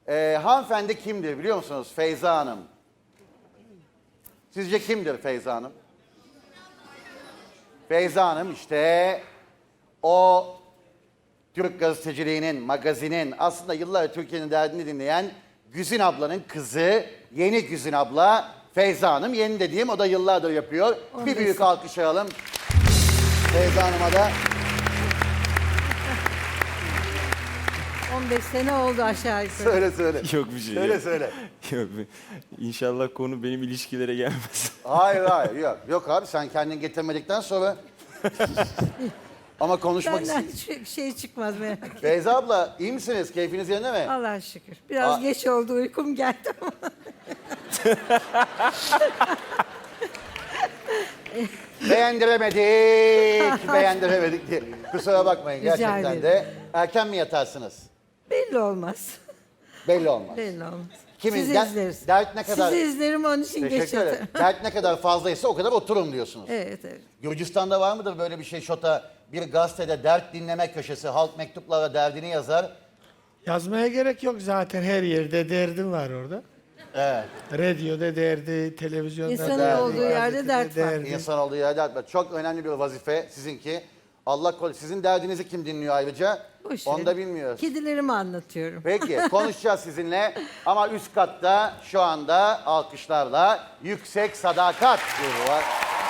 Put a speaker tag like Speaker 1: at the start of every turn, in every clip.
Speaker 1: Hanımefendi kimdir biliyor musunuz? Feyza Hanım. Sizce kimdir Feyza Hanım? Feyza Hanım işte o Türk gazeteciliğinin, magazinin aslında yıllarca Türkiye'nin derdini dinleyen Güzin ablanın kızı, yeni Güzin abla Feyza Hanım. Yeni dediğim o da yıllardır yapıyor. Bir büyük alkış alalım Feyza Hanım'a da.
Speaker 2: 15 sene oldu aşağı yukarı.
Speaker 1: Söyle.
Speaker 3: Yok bir şey.
Speaker 1: Söyle.
Speaker 3: Yok. İnşallah konu benim ilişkilere gelmez.
Speaker 1: Hayır yok. Yok abi sen kendin getirmedikten sonra ama konuşmak
Speaker 2: Benden
Speaker 1: istiyorum.
Speaker 2: hiçbir şey çıkmaz merak etme.
Speaker 1: Feyza abla iyi misiniz? Keyfiniz yerinde mi?
Speaker 2: Allah'a şükür. Biraz geç oldu, uykum geldi ama.
Speaker 1: Beğendiremedik diye. Kusura bakmayın
Speaker 2: Rica
Speaker 1: gerçekten
Speaker 2: ederim.
Speaker 1: de. Erken mi yatarsınız?
Speaker 2: Belli olmaz.
Speaker 1: Belli olmaz.
Speaker 2: Belli olmaz.
Speaker 1: Kimin?
Speaker 2: Sizi izleriz.
Speaker 1: Dert ne kadar?
Speaker 2: Sizi izlerim onun için geç
Speaker 1: Teşekkür ederim.
Speaker 2: yatarım.
Speaker 1: Dert ne kadar fazlaysa o kadar oturun diyorsunuz.
Speaker 2: Evet.
Speaker 1: Gürcistan'da var mıdır böyle bir şey Şota? Bir gazetede dert dinleme köşesi, halk mektuplara derdini yazar.
Speaker 4: Yazmaya gerek yok zaten, her yerde derdim var orada.
Speaker 1: Evet.
Speaker 4: Radyoda derdi, televizyonda
Speaker 2: İnsanın
Speaker 4: derdi,
Speaker 2: olduğu yerde
Speaker 4: gazetede
Speaker 2: dert var.
Speaker 4: derdi.
Speaker 1: İnsan olduğu yerde dert var. Çok önemli bir vazife sizinki. Allah korusun. Sizin derdinizi kim dinliyor ayrıca?
Speaker 2: Boş
Speaker 1: Onu
Speaker 2: verin.
Speaker 1: da bilmiyoruz.
Speaker 2: Kedilerimi anlatıyorum.
Speaker 1: Peki konuşacağız sizinle ama üst katta şu anda alkışlarla Yüksek Sadakat grubu var.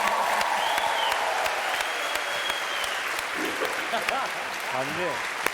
Speaker 3: Hamdi.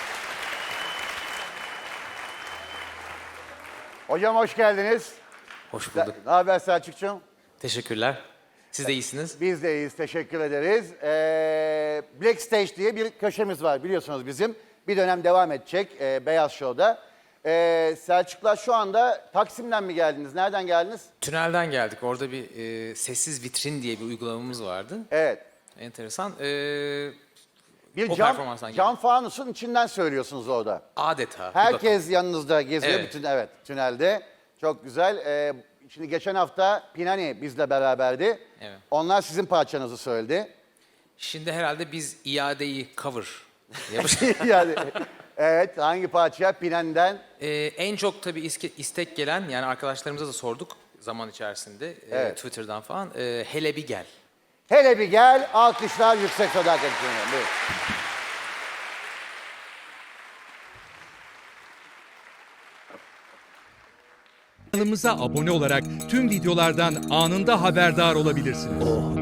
Speaker 1: Hocam hoş geldiniz.
Speaker 5: Hoş bulduk.
Speaker 1: Ne haber Selçukcuğum?
Speaker 5: Teşekkürler. Siz de iyisiniz.
Speaker 1: Biz de iyiyiz, teşekkür ederiz. Black Stage diye bir köşemiz var biliyorsunuz bizim. Bir dönem devam edecek Beyaz Show'da. Selçuklar şu anda Taksim'den mi geldiniz? Nereden geldiniz?
Speaker 5: Tünelden geldik. Orada bir sessiz vitrin diye bir uygulamamız vardı.
Speaker 1: Evet.
Speaker 5: Enteresan.
Speaker 1: Bir
Speaker 5: O performanstan
Speaker 1: cam fanusun içinden söylüyorsunuz orada.
Speaker 5: Adeta.
Speaker 1: Herkes yanınızda geziyor
Speaker 5: Evet.
Speaker 1: bütün tünelde. Çok güzel. Şimdi geçen hafta Pinani bizle beraberdi.
Speaker 5: Evet.
Speaker 1: Onlar sizin parçanızı söyledi.
Speaker 5: Şimdi herhalde biz iadeyi cover yapacağız.
Speaker 1: Yani evet hangi parça Pinani'den?
Speaker 5: En çok tabii istek gelen, yani arkadaşlarımıza da sorduk zaman içerisinde.
Speaker 1: Evet.
Speaker 5: Twitter'dan falan. Hele bir gel.
Speaker 1: Hele bir gel, alkışlar Yüksek Sadakat için. Buyurun.
Speaker 6: Kanalımıza abone olarak tüm videolardan anında haberdar olabilirsiniz.